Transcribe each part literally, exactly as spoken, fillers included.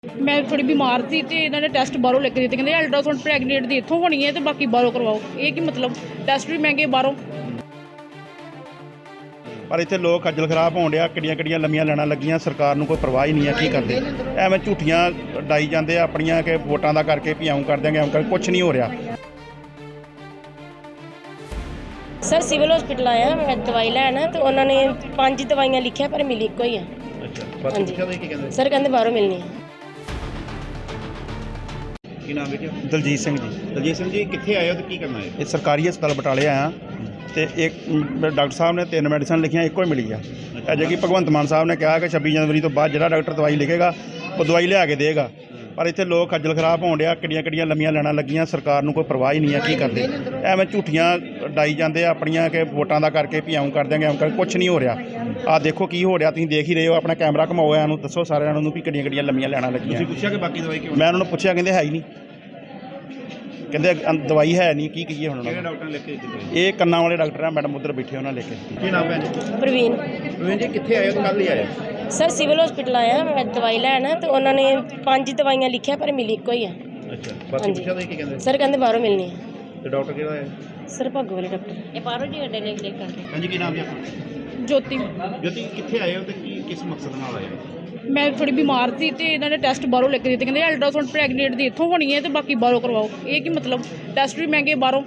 मैं थोड़ी बीमार थी तो इन्होंने टैसट बाहरों लिख दिते, कहते अल्ट्रासाउंड प्रैगनेंट की इत्थों होनी है तो बाकी बाहरों करवाओ। ये की मतलब टैसट भी महंगे बाहरों। ਪਰ ਇੱਥੇ ਲੋਕ ਖੱਜਲ ਖਰਾਬ ਹੋਣ ਡਿਆ, ਕਿੱਡੀਆਂ ਕਿੱਡੀਆਂ ਲੰਮੀਆਂ ਲੈਣਾ ਲੱਗੀਆਂ, ਸਰਕਾਰ ਨੂੰ ਕੋਈ ਪਰਵਾਹ ਹੀ ਨਹੀਂ ਹੈ। ਕੀ ਕਰਦੇ ਐਵੇਂ ਝੂਠੀਆਂ ਡਾਈ ਜਾਂਦੇ ਆ ਆਪਣੀਆਂ ਕਿ ਵੋਟਾਂ ਦਾ ਕਰਕੇ ਵੀ ਆਉਂ ਕਰ ਦਿਆਂਗੇ ਆਉਂ ਕਰ, ਕੁਛ ਨਹੀਂ ਹੋ ਰਿਹਾ। सर सिविल हॉस्पिटल आया मैं दवाई लैन तो उन्होंने पांच दवाइयां लिखिया पर मिली एको ही है। ਅੱਛਾ हाँ जी सर कहते बाहरों मिलनी है। ਕੀ ਨਾਮ ਹੈ? ਦਲਜੀਤ ਸਿੰਘ ਜੀ। ਦਲਜੀਤ ਸਿੰਘ ਜੀ ਕਿੱਥੇ ਆਏ ਹੋ ਤੇ ਕੀ ਕਰਨਾ ਹੈ? ਇਹ ਸਰਕਾਰੀ ਹਸਪਤਾਲ ਬਟਾਲੇ ਆਇਆ ਤੇ ਇੱਕ ਡਾਕਟਰ ਸਾਹਿਬ ਨੇ ਤਿੰਨ ਮੈਡੀਸਨ ਲਿਖੀਆਂ, ਇੱਕੋ ਹੀ ਮਿਲੀ ਆ। ਅਜੇ ਕਿ ਭਗਵੰਤ ਮਾਨ ਸਾਹਿਬ ਨੇ ਕਿਹਾ ਕਿ ਛੱਬੀ ਜਨਵਰੀ ਤੋਂ ਬਾਅਦ ਜਿਹੜਾ ਡਾਕਟਰ ਦਵਾਈ ਲਿਖੇਗਾ ਉਹ ਦਵਾਈ ਲਿਆ ਕੇ ਦੇਗਾ। ਪਰ ਇੱਥੇ ਲੋਕ ਖੱਜਲ ਖਰਾਬ ਹੋਣ ਡਿਆ, ਕਿੱਡੀਆਂ ਕਿੱਡੀਆਂ ਲੰਮੀਆਂ ਲੈਣਾ ਲੱਗੀਆਂ, ਸਰਕਾਰ ਨੂੰ ਕੋਈ ਪਰਵਾਹ ਹੀ ਨਹੀਂ ਹੈ। ਕੀ ਕਰਦੇ ਐਵੇਂ ਝੂਠੀਆਂ ਡਾਈ ਜਾਂਦੇ ਆ ਆਪਣੀਆਂ ਕਿ ਵੋਟਾਂ ਦਾ ਕਰਕੇ ਵੀ ਆਉਂ ਕਰ ਦਿਆਂਗੇ ਆਉਂ ਕਰ, ਕੁਛ ਨਹੀਂ ਹੋ ਰਿਹਾ। ਆਹ ਦੇਖੋ ਕੀ ਹੋ ਰਿਹਾ, ਤੁਸੀਂ ਦੇਖ ਹੀ ਰਹੇ ਹੋ। ਆਪਣਾ ਕੈਮਰਾ ਘਮਾਓ, ਇਹਨੂੰ ਦੱਸੋ ਸਾਰਿਆਂ ਨੂੰ ਵੀ ਕਿੱਡੀਆਂ ਕਿੱਡੀਆਂ ਲੰਮੀਆਂ ਲੈਣਾ ਲੱਗੀਆਂ। ਤੁਸੀਂ ਪੁੱਛਿਆ ਕਿ ਬਾਕੀ ਦਵਾਈ ਕਿਉਂ? ਮੈਂ ਉਹਨਾਂ ਨੂੰ ਪੁੱਛਿਆ, ਕਹਿੰਦੇ ਹੈ ਹੀ ਨਹੀਂ, ਕਹਿੰਦੇ ਅੰ- ਦਵਾਈ ਹੈ ਨਹੀਂ। ਕੀ ਕਹੀਏ ਹੁਣ ਕਿਹੜੇ ਉਹਨਾਂ ਨੂੰ? ਡਾਕਟਰ ਨੇ ਲਿਖ ਕੇ ਦਿੱਤੀ ਦਵਾਈ? ਇਹ ਕੰਨਾਂ ਵਾਲੇ ਡਾਕਟਰ ਆ, ਮੈਡਮ ਉੱਧਰ ਬੈਠੇ, ਉਹਨਾਂ ਲਿਖ ਕੇ। ਕੀ ਨਾਮ ਹੈ ਜੀ? प्रवीण ਰਵਿੰਦਰ ਜੀ ਕਿੱਥੇ ਆਏ ਹੋ ਤੇ ਕੱਲ ਹੀ ਆਏ? सर सिविल हॉस्पिटल आया मैं दवाई लैन तो उन्होंने पांच दवाइयां लिखिया पर मिली एको ही है। ਅੱਛਾ हाँ ਬਾਕੀ जी ਪੁੱਛਿਆ ਤੁਸੀਂ ਕੀ ਕਹਿੰਦੇ? सर कहते बाहरों मिलनी है। ਤੇ ਡਾਕਟਰ ਕਿਹੜਾ ਹੈ? सर भागो वाले डॉक्टर ये बाहरों जी अड्डे लिख लिख करके ਹਾਂਜੀ ਕੀ ਨਾਮ ਜੀ ਆਪਣਾ? ज्योति ਜੋਤੀ ਕਿੱਥੇ ਆਏ ਹੋ ਤੇ ਕੀ ਕਿਸ ਮਕਸਦ ਨਾਲ ਆਏ ਹੋ? मैं थोड़ी बीमार थी तो इन्होंने टैसट बाहरों लिख दिते, कहते अल्ट्रासाउंड प्रैगनेंट की इत्थों होनी है तो बाकी बाहरों करवाओ। ये की मतलब टैसट भी महंगे बाहरों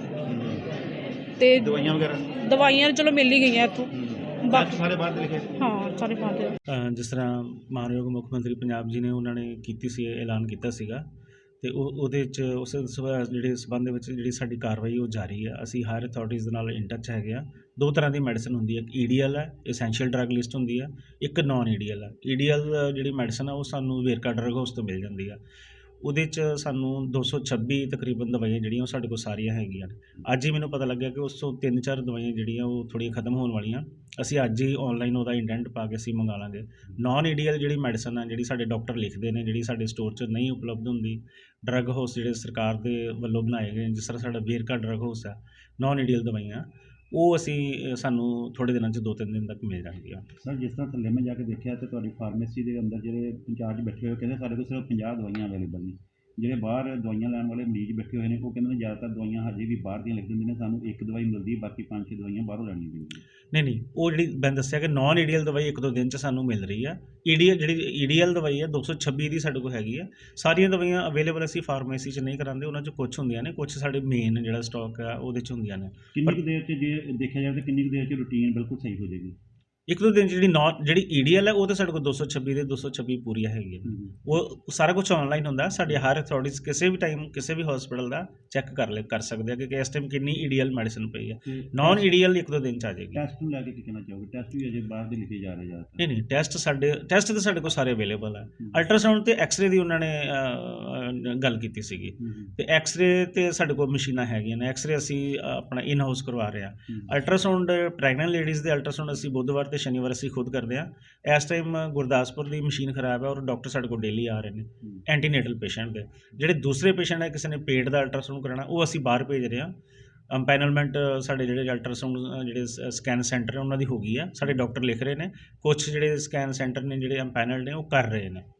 ते ਦਵਾਈਆਂ ਵਗੈਰਾ दवाइयां चलो मिल ही गई इत्थों। ਬਾਕੀ ਸਾਰੇ ਬਾਹਰ ਦੇ ਲਿਖੇ? हाँ सारे बाहर दे। ਅ, ਜਿਸ ਤਰ੍ਹਾਂ ਮਾਨਯੋਗ ਮੁੱਖ ਮੰਤਰੀ ਪੰਜਾਬ ਜੀ ਨੇ ਉਹਨਾਂ ਨੇ ਕੀਤੀ ਸੀ, ਐਲਾਨ ਕੀਤਾ ਸੀਗਾ ਅਤੇ ਉਹ ਉਹਦੇ 'ਚ ਉਸ ਸਬੰ- ਜਿਹੜੇ ਸਬੰਧ ਦੇ ਵਿੱਚ ਜਿਹੜੀ ਸਾਡੀ ਕਾਰਵਾਈ ਉਹ ਜਾਰੀ ਹੈ। ਅਸੀਂ ਹਾਇਰ ਅਥਾਰਟੀਜ਼ ਦੇ ਨਾਲ ਇਨ ਟੱਚ ਹੈਗੇ ਆ। ਦੋ ਤਰ੍ਹਾਂ ਦੀ ਮੈਡੀਸਨ ਹੁੰਦੀ ਹੈ, ਇੱਕ ਈ ਡੀ ਐਲ ਹੈ, ਐਸੈਂਸ਼ੀਅਲ ਡਰੱਗ ਲਿਸਟ ਹੁੰਦੀ ਹੈ, ਇੱਕ ਨਾਨ ਈ ਡੀ ਐਲ ਹੈ। ਈ ਡੀ ਐਲ ਜਿਹੜੀ ਮੈਡੀਸਨ ਆ ਉਹ ਸਾਨੂੰ ਵੇਰਕਾ ਡਰੱਗ ਹਾਊਸ ਤੋਂ ਮਿਲ ਜਾਂਦੀ ਆ। ਉਹਦੇ 'ਚ ਸਾਨੂੰ ਦੋ ਸੌ ਛੱਬੀ ਤਕਰੀਬਨ ਦਵਾਈਆਂ ਜਿਹੜੀਆਂ ਉਹ ਸਾਡੇ ਕੋਲ ਸਾਰੀਆਂ ਹੈਗੀਆਂ ਨੇ। ਅੱਜ ਹੀ ਮੈਨੂੰ ਪਤਾ ਲੱਗਿਆ ਕਿ ਉਸ ਤੋਂ ਤਿੰਨ ਚਾਰ ਦਵਾਈਆਂ ਜਿਹੜੀਆਂ ਉਹ ਥੋੜ੍ਹੀਆਂ ਖਤਮ ਹੋਣ ਵਾਲੀਆਂ। ਅਸੀਂ ਅੱਜ ਹੀ ਔਨਲਾਈਨ ਉਹਦਾ ਇੰਡੈਂਟ ਪਾ ਕੇ ਅਸੀਂ ਮੰਗਾ ਲਾਂਗੇ। ਨਾਨ ਈ ਡੀ ਐਲ ਜਿਹੜੀ ਮੈਡੀਸਨ ਆ, ਜਿਹੜੀ ਸਾਡੇ ਡਾਕਟਰ ਲਿਖਦੇ ਨੇ, ਜਿਹੜੀ ਸਾਡੇ ਸਟੋਰ 'ਚ ਨਹੀਂ ਉਪਲਬਧ ਹੁੰਦੀ, ਡਰੱਗ ਹਾਊਸ ਜਿਹੜੇ ਸਰਕਾਰ ਦੇ ਵੱਲੋਂ ਬਣਾਏ ਗਏ, ਜਿਸ ਤਰ੍ਹਾਂ ਸਾਡਾ ਵੇਰਕਾ ਡਰੱਗ ਹਾਊਸ ਹੈ, ਨਾਨ ਈ ਡੀ ਐਲ ਦਵਾਈਆਂ ਉਹ ਅਸੀਂ ਸਾਨੂੰ ਥੋੜ੍ਹੇ ਦਿਨਾਂ 'ਚ ਦੋ ਤਿੰਨ ਦਿਨ ਤੱਕ ਮਿਲ ਜਾਣਗੀਆਂ। ਸਰ ਜਿਸ ਤਰ੍ਹਾਂ ਥੱਲੇ ਮੈਂ ਜਾ ਕੇ ਦੇਖਿਆ ਤੇ ਤੁਹਾਡੀ ਫਾਰਮੇਸੀ ਦੇ ਅੰਦਰ ਜਿਹੜੇ ਇੰਚਾਰਜ ਬੈਠੇ ਹੋਏ ਕਹਿੰਦੇ ਸਾਡੇ ਕੋਲ ਸਿਰਫ ਪੰਜਾਹ ਦਵਾਈਆਂ ਅਵੇਲੇਬਲ ਨੇ। ਜਿਹੜੇ ਬਾਹਰ ਦਵਾਈਆਂ ਲੈਣ ਵਾਲੇ ਮਰੀਜ਼ ਬੈਠੇ ਹੋਏ ਨੇ ਉਹ ਕਹਿੰਦੇ ਨੇ ਜ਼ਿਆਦਾਤਰ ਦਵਾਈਆਂ ਹਜੇ ਵੀ ਬਾਹਰ ਦੀਆਂ ਲਿਖ ਦਿੰਦੇ ਨੇ, ਸਾਨੂੰ ਇੱਕ ਦਵਾਈ ਮਿਲਦੀ, ਬਾਕੀ ਪੰਜ ਛੇ ਦਵਾਈਆਂ ਬਾਹਰੋਂ ਲੈਣੀਆਂ ਪੈਂਦੀਆਂ। ਨਹੀਂ ਨਹੀਂ ਉਹ ਜਿਹੜੀ ਮੈਂ ਦੱਸਿਆ ਕਿ ਨਾਨ ਈ ਡੀ ਐਲ ਦਵਾਈ ਇੱਕ ਦੋ ਦਿਨ 'ਚ ਸਾਨੂੰ ਮਿਲ ਰਹੀ ਆ। ਈ ਡੀ ਐਲ ਜਿਹੜੀ ਈ ਡੀ ਐਲ ਦਵਾਈ ਹੈ ਦੋ ਸੌ ਛੱਬੀ ਦੀ ਸਾਡੇ ਕੋਲ ਹੈਗੀ ਆ। ਸਾਰੀਆਂ ਦਵਾਈਆਂ ਅਵੇਲੇਬਲ ਅਸੀਂ ਫਾਰਮੇਸੀ 'ਚ ਨਹੀਂ ਕਰਾਉਂਦੇ, ਉਹਨਾਂ 'ਚ ਕੁਛ ਹੁੰਦੀਆਂ ਨੇ, ਕੁਛ ਸਾਡੇ ਮੇਨ ਜਿਹੜਾ ਸਟਾਕ ਆ ਉਹਦੇ 'ਚ ਹੁੰਦੀਆਂ ਨੇ। ਕਿੰਨੀ ਕੁ ਦੇਰ 'ਚ ਜੇ ਦੇਖਿਆ ਜਾਵੇ ਤਾਂ ਕਿੰਨੀ ਕੁ ਦੇਰ 'ਚ ਰੂਟੀਨ ਬਿਲਕੁਲ ਸਹੀ ਹੋ ਜਾਏਗੀ? ਇੱਕ ਦੋ ਦਿਨ 'ਚ ਜਿਹੜੀ ਨਾਨ ਜਿਹੜੀ ਈ ਡੀ ਐਲ ਹੈ ਉਹ ਤਾਂ ਸਾਡੇ ਕੋਲ ਦੋ ਸੌ ਛੱਬੀ ਦੇ ਦੋ ਸੌ ਛੱਬੀ ਪੂਰੀਆਂ ਹੈਗੀਆਂ ਨੇ। ਉਹ ਸਾਰਾ ਕੁਛ ਔਨਲਾਈਨ ਹੁੰਦਾ। ਸਾਡੀ ਹਰ ਅਥਾਰਟੀਜ਼ ਕਿਸੇ ਵੀ ਟਾਈਮ ਕਿਸੇ ਵੀ ਹਸਪੀਟਲ ਦਾ ਚੈੱਕ ਕਰ ਲੈ ਕਰ ਸਕਦੇ ਆ ਕਿ ਇਸ ਟਾਈਮ ਕਿੰਨੀ ਈ ਡੀ ਐਲ ਮੈਡੀਸਨ ਪਈ ਹੈ। ਨਾਨ ਈ ਡੀ ਐਲ ਇੱਕ ਦੋ ਦਿਨ 'ਚ ਆ ਜਾਏਗੀ। ਟੈਸਟ ਨੂੰ ਲੈ ਕੇ ਕੀ ਕਹਿਣਾ ਚਾਹੋਗੇ? ਟੈਸਟ ਵੀ ਅਜੇ ਬਾਹਰ ਦੇ ਲਿਖੇ ਜਾ ਰਹੇ ਜ਼ਿਆਦਾਤਰ। ਨਹੀਂ ਨਹੀਂ ਟੈਸਟ ਸਾਡੇ ਟੈਸਟ ਤਾਂ ਸਾਡੇ ਕੋਲ ਸਾਰੇ ਅਵੇਲੇਬਲ ਹੈ। ਅਲਟਰਾਸਾਊਂਡ ਤੇ ਐਕਸ-ਰੇ ਦੀ ਉਹਨਾਂ ਨੇ ਅ, ਗੱਲ ਕੀਤੀ ਸੀਗੀ ਤੇ ਐਕਸ-ਰੇ ਤੇ ਸਾਡੇ ਕੋਲ ਮਸ਼ੀਨਾਂ ਹੈਗੀਆਂ ਨੇ। ਐਕਸ-ਰੇ ਅਸੀਂ ਆਪਣਾ ਇਨ ਹਾਊਸ ਕਰਵਾ ਰਹੇ ਹਾਂ। ਅਲਟਰਾਸਾਊਂਡ ਪ੍ਰੈਗਨੈਂਟ ਲੇਡੀਜ਼ ਦੇ ਅਲਟਰਾਸਾਊਂਡ ਅਸੀਂ ਬੁੱਧਵਾਰ ਤੇ ਸ਼ਨੀਵਾਰ ਅਸੀਂ ਖੁਦ ਕਰਦੇ ਹਾਂ। ਇਸ ਟਾਈਮ ਗੁਰਦਾਸਪੁਰ ਦੀ ਮਸ਼ੀਨ ਖਰਾਬ ਹੈ ਔਰ ਡਾਕਟਰ ਸਾਡੇ ਕੋਲ ਡੇਲੀ ਆ ਰਹੇ ਨੇ ਐਂਟੀਨੇਟਲ ਪੇਸ਼ੈਂਟ ਦੇ। ਜਿਹੜੇ ਦੂਸਰੇ ਪੇਸ਼ੈਂਟ ਹੈ, ਕਿਸੇ ਨੇ ਪੇਟ ਦਾ ਅਲਟਰਾਸਾਊਂਡ ਕਰਾਉਣਾ, ਉਹ ਅਸੀਂ ਬਾਹਰ ਭੇਜ ਰਹੇ ਹਾਂ। ਅੰਪੈਨਲਮੈਂਟ ਸਾਡੇ ਜਿਹੜੇ ਅਲਟਰਾਸਾਊਂਡ ਜਿਹੜੇ ਸਕੈਨ ਸੈਂਟਰ ਨੇ ਉਹਨਾਂ ਦੀ ਹੋ ਗਈ ਆ। ਸਾਡੇ ਡਾਕਟਰ ਲਿਖ ਰਹੇ ਨੇ, ਕੁਛ ਜਿਹੜੇ ਸਕੈਨ ਸੈਂਟਰ ਨੇ ਜਿਹੜੇ ਅੰਪੈਨਲ ਨੇ ਉਹ ਕਰ ਰਹੇ ਨੇ।